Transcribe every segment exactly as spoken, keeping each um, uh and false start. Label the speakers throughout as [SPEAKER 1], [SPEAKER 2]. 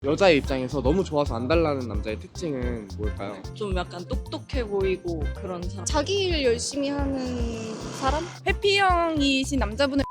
[SPEAKER 1] 여자의 입장에서 너무 좋아서 안 달라는 남자의 특징은 뭘까요?
[SPEAKER 2] 좀 약간 똑똑해 보이고 그런 사람.
[SPEAKER 3] 자기 일 열심히 하는 사람? 회피형이신 남자분을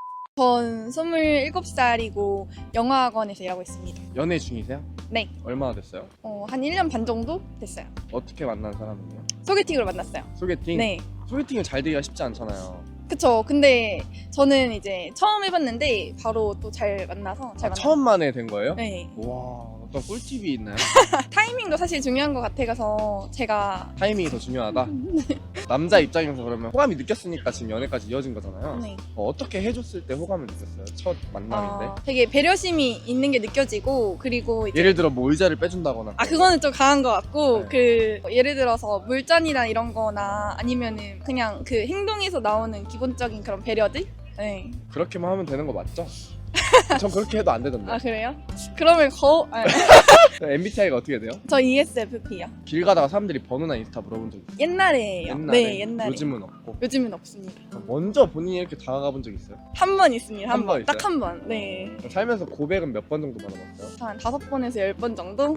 [SPEAKER 3] 전 스물일곱 살이고 영어학원에서 일하고 있습니다.
[SPEAKER 1] 연애 중이세요?
[SPEAKER 3] 네.
[SPEAKER 1] 얼마나 됐어요?
[SPEAKER 3] 어, 한 일 년 반 정도 됐어요.
[SPEAKER 1] 어떻게 만난 사람이에요?
[SPEAKER 3] 소개팅으로 만났어요.
[SPEAKER 1] 소개팅?
[SPEAKER 3] 네.
[SPEAKER 1] 소개팅은 잘 되기가 쉽지 않잖아요.
[SPEAKER 3] 그쵸. 근데 저는 이제 처음 해봤는데 바로 또 잘 만나서 잘
[SPEAKER 1] 아,
[SPEAKER 3] 만났어요.
[SPEAKER 1] 처음 만에 된 거예요?
[SPEAKER 3] 네.
[SPEAKER 1] 와, 어떤 꿀팁이 있나요?
[SPEAKER 3] 타이밍도 사실 중요한 것 같아서 제가
[SPEAKER 1] 타이밍이 더 중요하다? 남자 입장에서 그러면 호감이 느꼈으니까 지금 연애까지 이어진 거잖아요.
[SPEAKER 3] 네.
[SPEAKER 1] 어, 어떻게 해줬을 때 호감을 느꼈어요? 첫 만남인데?
[SPEAKER 3] 어, 되게 배려심이 있는 게 느껴지고 그리고 이제
[SPEAKER 1] 예를 들어 뭐 의자를 빼준다거나
[SPEAKER 3] 아 그거는 좀 강한 것 같고
[SPEAKER 1] 네.
[SPEAKER 3] 그 예를 들어서 물잔이나 이런 거나 아니면은 그냥 그 행동에서 나오는 기본적인 그런 배려들? 네.
[SPEAKER 1] 그렇게만 하면 되는 거 맞죠? 전 그렇게 해도 안 되던데.
[SPEAKER 3] 아 그래요? 그러면 거... 아,
[SPEAKER 1] 엠비티아이가 어떻게 돼요?
[SPEAKER 3] 저 이에스에프피요.
[SPEAKER 1] 길 가다가 사람들이 번호나 인스타 물어본 적 있어요?
[SPEAKER 3] 옛날에요.
[SPEAKER 1] 옛날에?
[SPEAKER 3] 네 옛날에.
[SPEAKER 1] 요즘은 없고.
[SPEAKER 3] 요즘은 없습니다.
[SPEAKER 1] 먼저 본인이 이렇게 다가가 본 적 있어요?
[SPEAKER 3] 한 번 있습니다.
[SPEAKER 1] 한
[SPEAKER 3] 한
[SPEAKER 1] 번
[SPEAKER 3] 번. 딱
[SPEAKER 1] 있어요?
[SPEAKER 3] 한 번. 네.
[SPEAKER 1] 살면서 고백은 몇 번 정도 받아봤어요?
[SPEAKER 3] 한 다섯 번에서 열 번 정도?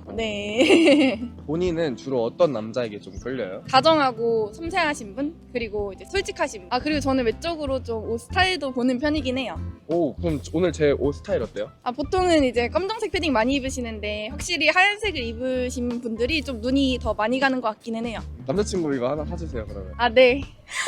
[SPEAKER 3] 네.
[SPEAKER 1] 본인은 주로 어떤 남자에게 좀 끌려요?
[SPEAKER 3] 다정하고 섬세하신 분 그리고 이제 솔직하신 분. 아 그리고 저는 외적으로 좀 옷 스타일도 보는 편이긴 해요.
[SPEAKER 1] 오, 그럼 오늘 제 옷 스타일 어때요?
[SPEAKER 3] 아 보통은 이제 검정색 패딩 많이 입으시는데 확실히 하얀색을 입으신 분들이 좀 눈이 더 많이 가는 것 같기는 해요.
[SPEAKER 1] 남자친구 이거 하나 사주세요 그러면.
[SPEAKER 3] 아 네.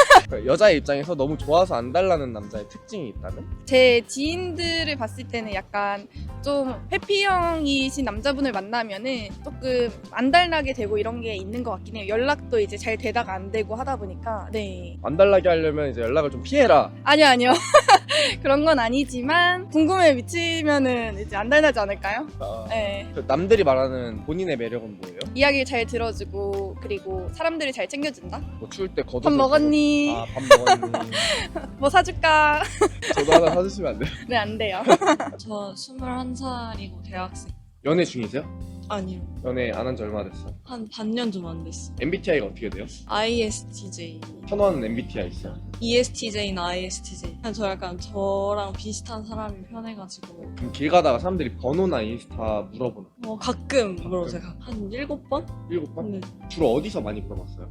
[SPEAKER 1] 여자의 입장에서 너무 좋아서 안 달라는 남자의 특징이 있다면?
[SPEAKER 3] 제 지인들을 봤을 때는 약간 좀 회피형이신 남자분을 만나면은 조금 안 달라게 되고 이런 게 있는 것 같긴 해요. 연락도 이제 잘 되다가 안 되고 하다 보니까. 네.
[SPEAKER 1] 안 달라게 하려면 이제 연락을 좀 피해라.
[SPEAKER 3] 아니요 아니요. 그런 건 아니지만 궁금해 미치면은 이제 안 달라지 않을까요?
[SPEAKER 1] 아,
[SPEAKER 3] 네.
[SPEAKER 1] 그 남들이 말하는 본인의 매력은 뭐예요?
[SPEAKER 3] 이야기를 잘 들어주고 그리고 사람들을 잘 챙겨준다.
[SPEAKER 1] 뭐 추울 때 겉옷
[SPEAKER 3] 밥 먹었니?
[SPEAKER 1] 아, 밥 먹었니?
[SPEAKER 3] 뭐 사줄까?
[SPEAKER 1] 저도 하나 사주시면 안 돼요?
[SPEAKER 3] 네 안 돼요.
[SPEAKER 2] 저 스물한 살이고 대학생.
[SPEAKER 1] 연애 중이세요?
[SPEAKER 2] 아니요.
[SPEAKER 1] 연애 안 한 지 얼마 됐어요?
[SPEAKER 2] 한 반년 좀 안 됐어.
[SPEAKER 1] 엠비티아이가 어떻게 돼요?
[SPEAKER 2] 아이에스티제이.
[SPEAKER 1] 선호하는 엠비티아이 있어요?
[SPEAKER 2] 이에스티제이나 아이에스티제이. 그냥 저 약간 저랑 비슷한 사람이 편해가지고
[SPEAKER 1] 그럼 길 가다가 사람들이 번호나 인스타 물어보나?
[SPEAKER 2] 어, 가끔 물어보세요. 한 일곱 번?
[SPEAKER 1] 일곱 번?
[SPEAKER 2] 네.
[SPEAKER 1] 주로 어디서 많이 물어봤어요?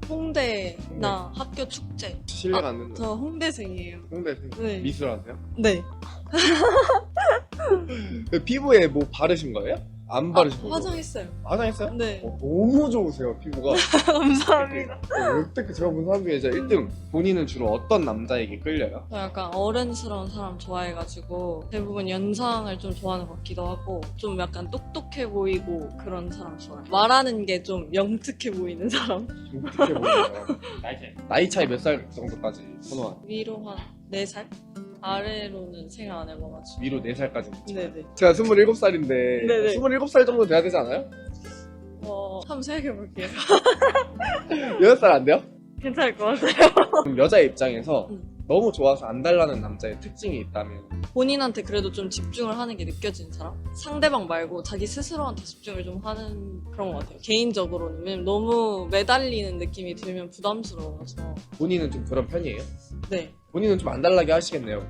[SPEAKER 2] 홍대나 학교 축제.
[SPEAKER 1] 실례가 안 된다.
[SPEAKER 2] 저 홍대생이에요.
[SPEAKER 1] 홍대생
[SPEAKER 2] 네.
[SPEAKER 1] 미술하세요?
[SPEAKER 2] 네.
[SPEAKER 1] 그 피부에 뭐 바르신 거예요? 안 바르신
[SPEAKER 2] 아,
[SPEAKER 1] 거예요?
[SPEAKER 2] 화장했어요.
[SPEAKER 1] 화장했어요?
[SPEAKER 2] 네.
[SPEAKER 1] 어, 너무 좋으세요 피부가.
[SPEAKER 2] 감사합니다.
[SPEAKER 1] 어, 역대급 제가 본 사람 중에 진짜 일 등. 본인은 주로 어떤 남자에게 끌려요?
[SPEAKER 2] 저 약간 어른스러운 사람 좋아해가지고 대부분 연상을 좀 좋아하는 것 같기도 하고 좀 약간 똑똑해 보이고 그런 사람 좋아해요. 말하는 게 좀 영특해 보이는 사람.
[SPEAKER 1] 어떻게 보여요? 나이 차이 몇 살 정도까지 선호하는?
[SPEAKER 2] 위로 한 네 살? 아래로는 생각 안 해봐가지고.
[SPEAKER 1] 위로 네 살까지.
[SPEAKER 2] 네네.
[SPEAKER 1] 제가 스물일곱 살인데
[SPEAKER 2] 네네.
[SPEAKER 1] 스물일곱 살 정도 돼야 되지 않아요?
[SPEAKER 2] 어, 한번 생각해볼게요.
[SPEAKER 1] 여덟 살 안 돼요?
[SPEAKER 2] 괜찮을 것 같아요.
[SPEAKER 1] 그럼 여자의 입장에서
[SPEAKER 2] 음.
[SPEAKER 1] 너무 좋아서 안 달라는 남자의 특징이 있다면
[SPEAKER 2] 본인한테 그래도 좀 집중을 하는 게 느껴지는 사람? 상대방 말고 자기 스스로한테 집중을 좀 하는 그런 것 같아요. 개인적으로는. 왜냐면 너무 매달리는 느낌이 들면 부담스러워서.
[SPEAKER 1] 본인은 좀 그런 편이에요?
[SPEAKER 2] 네.
[SPEAKER 1] 본인은 좀 안 달라게 하시겠네요.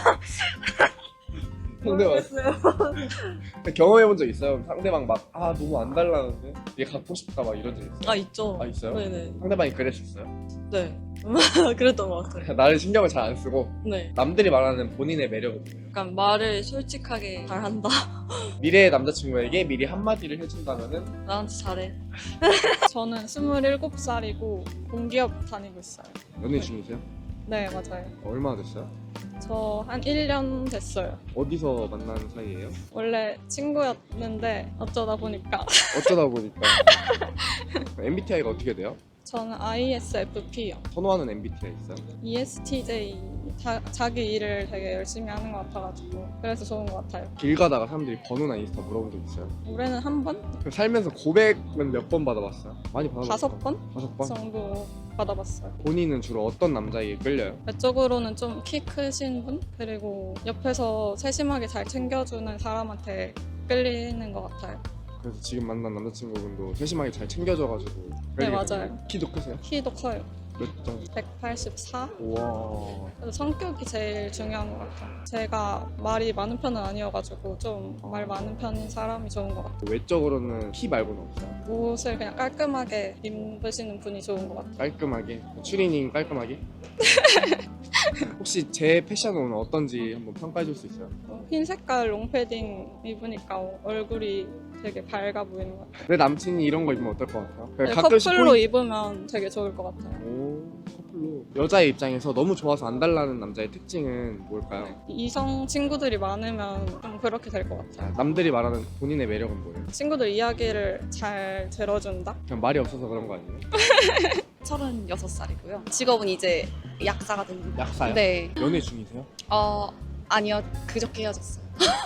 [SPEAKER 1] 상대방 경험해본 적 있어요? 상대방 막 아 너무 안 달라는데 얘 갖고 싶다 막 이런 적 있어요?
[SPEAKER 2] 아, 있죠.
[SPEAKER 1] 아, 있어요?
[SPEAKER 2] 네네.
[SPEAKER 1] 상대방이 그랬었어요?
[SPEAKER 2] 네. 그랬던 것 같아요.
[SPEAKER 1] 나를 신경을 잘 안 쓰고
[SPEAKER 2] 네.
[SPEAKER 1] 남들이 말하는 본인의 매력은 뭐예요?
[SPEAKER 2] 약간 말을 솔직하게 잘한다.
[SPEAKER 1] 미래의 남자친구에게 미리 한마디를 해준다면은
[SPEAKER 2] 나한테 잘해.
[SPEAKER 4] 저는 스물일곱 살이고 공기업 다니고 있어요.
[SPEAKER 1] 연애 중이세요?
[SPEAKER 4] 네, 맞아요.
[SPEAKER 1] 얼마나 됐어요?
[SPEAKER 4] 저 한 일 년 됐어요.
[SPEAKER 1] 어디서 만난 사이예요?
[SPEAKER 4] 원래 친구였는데 어쩌다 보니까
[SPEAKER 1] 어쩌다 보니까 엠비티아이가 어떻게 돼요?
[SPEAKER 4] 저는 아이에스에프피요.
[SPEAKER 1] 선호하는 엠비티아이 있어요?
[SPEAKER 4] 이에스티제이 자, 자기 일을 되게 열심히 하는 것 같아가지고 그래서 좋은 것 같아요.
[SPEAKER 1] 길 가다가 사람들이 번호나 인스타 물어본 적 있어요?
[SPEAKER 4] 올해는 한 번?
[SPEAKER 1] 그럼 살면서 고백은 몇 번 받아봤어요? 많이 받아봤어요?
[SPEAKER 4] 다섯 번
[SPEAKER 1] 다섯 번?
[SPEAKER 4] 정도 받아봤어요.
[SPEAKER 1] 본인은 주로 어떤 남자에게 끌려요?
[SPEAKER 4] 외적으로는 좀 키 크신 분? 그리고 옆에서 세심하게 잘 챙겨주는 사람한테 끌리는 것 같아요.
[SPEAKER 1] 그래서 지금 만난 남자친구분도 세심하게 잘 챙겨줘가지고
[SPEAKER 4] 네,
[SPEAKER 1] 끌리게
[SPEAKER 4] 맞아요.
[SPEAKER 1] 되는 거예요? 키도 크세요?
[SPEAKER 4] 키도 커요.
[SPEAKER 1] 몇 점?
[SPEAKER 4] 백팔십사?
[SPEAKER 1] 우와.
[SPEAKER 4] 그래서 성격이 제일 중요한 것 같아요. 제가 말이 많은 편은 아니어가지고 좀 말 많은 편인 사람이 좋은 것 같아요.
[SPEAKER 1] 외적으로는 키 말고는 없어요?
[SPEAKER 4] 옷을 그냥 깔끔하게 입으시는 분이 좋은 것 같아요.
[SPEAKER 1] 깔끔하게? 추리닝 깔끔하게? 혹시 제 패션은 어떤지 한번 평가해 줄 수 있어요?
[SPEAKER 4] 어, 흰 색깔 롱패딩 입으니까 얼굴이 되게 밝아 보이는 것 같아요.
[SPEAKER 1] 내 남친이 이런 거 입으면 어떨 것 같아요?
[SPEAKER 4] 네,
[SPEAKER 1] 가끔씩
[SPEAKER 4] 커플로
[SPEAKER 1] 포인-
[SPEAKER 4] 입으면 되게 좋을 것 같아요.
[SPEAKER 1] 오, 커플로. 여자의 입장에서 너무 좋아서 안 달라는 남자의 특징은 뭘까요?
[SPEAKER 4] 이성 친구들이 많으면 좀 그렇게 될 것 같아요.
[SPEAKER 1] 자, 남들이 말하는 본인의 매력은 뭐예요?
[SPEAKER 4] 친구들 이야기를 잘 들어준다?
[SPEAKER 1] 그냥 말이 없어서 그런 거 아니에요?
[SPEAKER 5] 서른여섯 살이고요. 직업은 이제 약사거든요.
[SPEAKER 1] 약사요?
[SPEAKER 5] 네.
[SPEAKER 1] 연애 중이세요?
[SPEAKER 5] 어, 아니요. 그저께 헤어졌어요.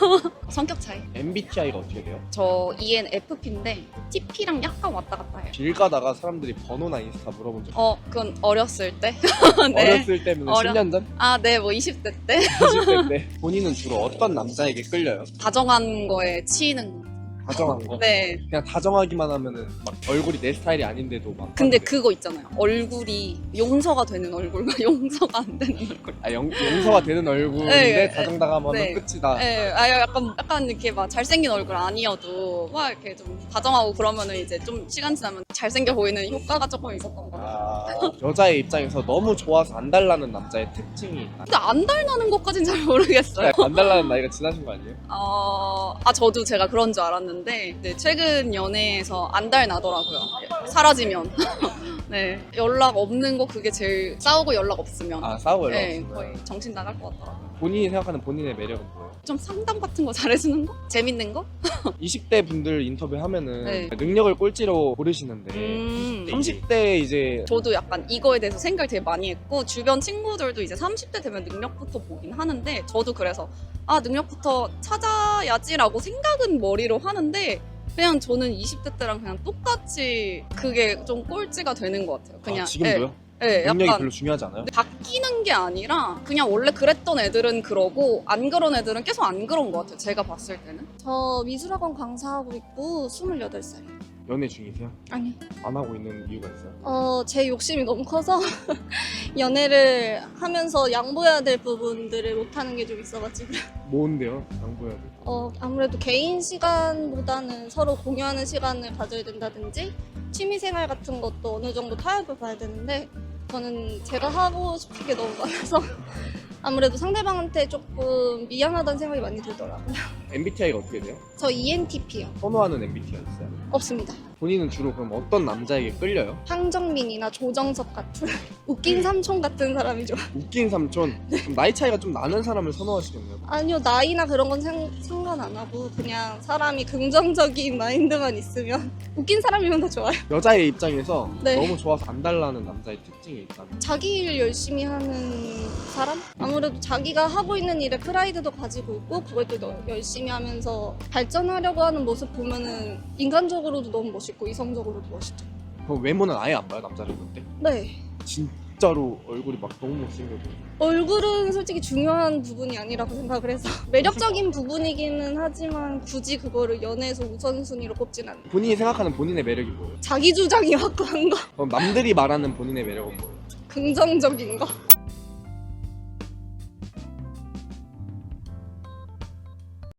[SPEAKER 5] 성격 차이.
[SPEAKER 1] 엠비티아이가 어떻게 돼요?
[SPEAKER 5] 저 이엔에프피인데 티피랑 약간 왔다 갔다 해요.
[SPEAKER 1] 길 가다가 사람들이 번호나 인스타 물어본 적 있어요?
[SPEAKER 5] 어, 그건 어렸을 때. 네.
[SPEAKER 1] 어렸을 때면
[SPEAKER 5] 어려-
[SPEAKER 1] 십 년 전?
[SPEAKER 5] 아, 네. 뭐 이십 대 때.
[SPEAKER 1] 이십 대 때? 본인은 주로 어떤 남자에게 끌려요?
[SPEAKER 5] 다정한 거에 치이는 거.
[SPEAKER 1] 다정한 거?
[SPEAKER 5] 네.
[SPEAKER 1] 그냥 다정하기만 하면은 막 얼굴이 내 스타일이 아닌데도 막
[SPEAKER 5] 근데
[SPEAKER 1] 하는데.
[SPEAKER 5] 그거 있잖아요. 얼굴이 용서가 되는 얼굴과 용서가 안 되는 얼굴.
[SPEAKER 1] 아, 영, 용서가 되는 얼굴인데
[SPEAKER 5] 네.
[SPEAKER 1] 다정다감하면
[SPEAKER 5] 네.
[SPEAKER 1] 끝이다.
[SPEAKER 5] 네, 아 약간 약간 이렇게 막 잘생긴 얼굴 아니어도 막 이렇게 좀 다정하고 그러면은 이제 좀 시간 지나면 잘생겨 보이는 효과가 조금 있었던 거 같아요.
[SPEAKER 1] 아, 여자의 입장에서 너무 좋아서 안 달라는 남자의 특징이 있다.
[SPEAKER 5] 근데 안 닮는 것까진 잘 모르겠어요.
[SPEAKER 1] 안 달라는 나이가 지나신 거 아니에요?
[SPEAKER 5] 어, 아 저도 제가 그런 줄 알았는데 네, 최근 연애에서 안 달나더라고요. 사라지면. 네, 연락 없는 거 그게 제일 싸우고 연락 없으면.
[SPEAKER 1] 아, 싸우고 연락
[SPEAKER 5] 네,
[SPEAKER 1] 없으면.
[SPEAKER 5] 거의 정신 나갈 것 같더라고요.
[SPEAKER 1] 본인이 생각하는 본인의 매력은 뭐예요?
[SPEAKER 5] 좀 상담 같은 거 잘해주는 거? 재밌는 거?
[SPEAKER 1] 이십 대 분들 인터뷰하면은
[SPEAKER 5] 네.
[SPEAKER 1] 능력을 꼴찌로 고르시는데
[SPEAKER 5] 음.
[SPEAKER 1] 삼십 대 이제
[SPEAKER 5] 저도 약간 이거에 대해서 생각을 되게 많이 했고 주변 친구들도 이제 삼십 대 되면 능력부터 보긴 하는데 저도 그래서 아 능력부터 찾아야지라고 생각은 머리로 하는데 그냥 저는 이십 대 때랑 그냥 똑같이 그게 좀 꼴찌가 되는 것 같아요. 그냥
[SPEAKER 1] 아, 지금도요?
[SPEAKER 5] 예, 예,
[SPEAKER 1] 능력이
[SPEAKER 5] 약간
[SPEAKER 1] 별로 중요하지 않아요?
[SPEAKER 5] 바뀌는 게 아니라 그냥 원래 그랬던 애들은 그러고 안 그런 애들은 계속 안 그런 것 같아요. 제가 봤을 때는.
[SPEAKER 6] 저 미술학원 강사하고 있고 스물여덟 살이에요.
[SPEAKER 1] 연애 중이세요?
[SPEAKER 6] 아니요.
[SPEAKER 1] 안 하고 있는 이유가 있어요?
[SPEAKER 6] 어, 제 욕심이 너무 커서 연애를 하면서 양보해야 될 부분들을 못하는 게 좀 있어가지고
[SPEAKER 1] 뭔데요? 양보해야 돼.
[SPEAKER 6] 어, 아무래도 개인 시간보다는 서로 공유하는 시간을 가져야 된다든지 취미생활 같은 것도 어느 정도 타협을 봐야 되는데 저는 제가 하고 싶은 게 너무 많아서 아무래도 상대방한테 조금 미안하다는 생각이 많이 들더라고요.
[SPEAKER 1] 엠비티아이가 어떻게 돼요?
[SPEAKER 6] 저 이엔티피요.
[SPEAKER 1] 선호하는 엠비티아이 있어요?
[SPEAKER 6] 없습니다.
[SPEAKER 1] 본인은 주로 그럼 어떤 남자에게 끌려요?
[SPEAKER 6] 황정민이나 조정석 같은 웃긴 삼촌 같은 사람이 좋아.
[SPEAKER 1] 웃긴 삼촌? 그럼 나이 차이가 좀 나는 사람을 선호하시겠네요?
[SPEAKER 6] 아니요, 나이나 그런 건 상, 상관 안 하고 그냥 사람이 긍정적인 마인드만 있으면 웃긴 사람이면 다 좋아요.
[SPEAKER 1] 여자의 입장에서
[SPEAKER 6] 네.
[SPEAKER 1] 너무 좋아서 안 달라는 남자의 특징이 있다면
[SPEAKER 6] 자기 일 열심히 하는 사람? 아무래도 자기가 하고 있는 일에 프라이드도 가지고 있고 그걸 또 너- 열심히 하면서 발전하려고 하는 모습 보면은 인간적으로도 너무 멋있고 이성적으로도 멋있죠.
[SPEAKER 1] 그럼 외모는 아예 안 봐요 남자를 볼 때?
[SPEAKER 6] 네.
[SPEAKER 1] 진짜로 얼굴이 막 너무 못생겨도
[SPEAKER 6] 얼굴은 솔직히 중요한 부분이 아니라고 생각을 해서 매력적인 부분이기는 하지만 굳이 그거를 연애에서 우선순위로 꼽진 않아요.
[SPEAKER 1] 본인이 생각하는 본인의 매력이 뭐예요?
[SPEAKER 6] 자기 주장이 확고한 거,
[SPEAKER 1] 그럼 남들이 말하는 본인의 매력은 뭐예요?
[SPEAKER 6] 긍정적인 거.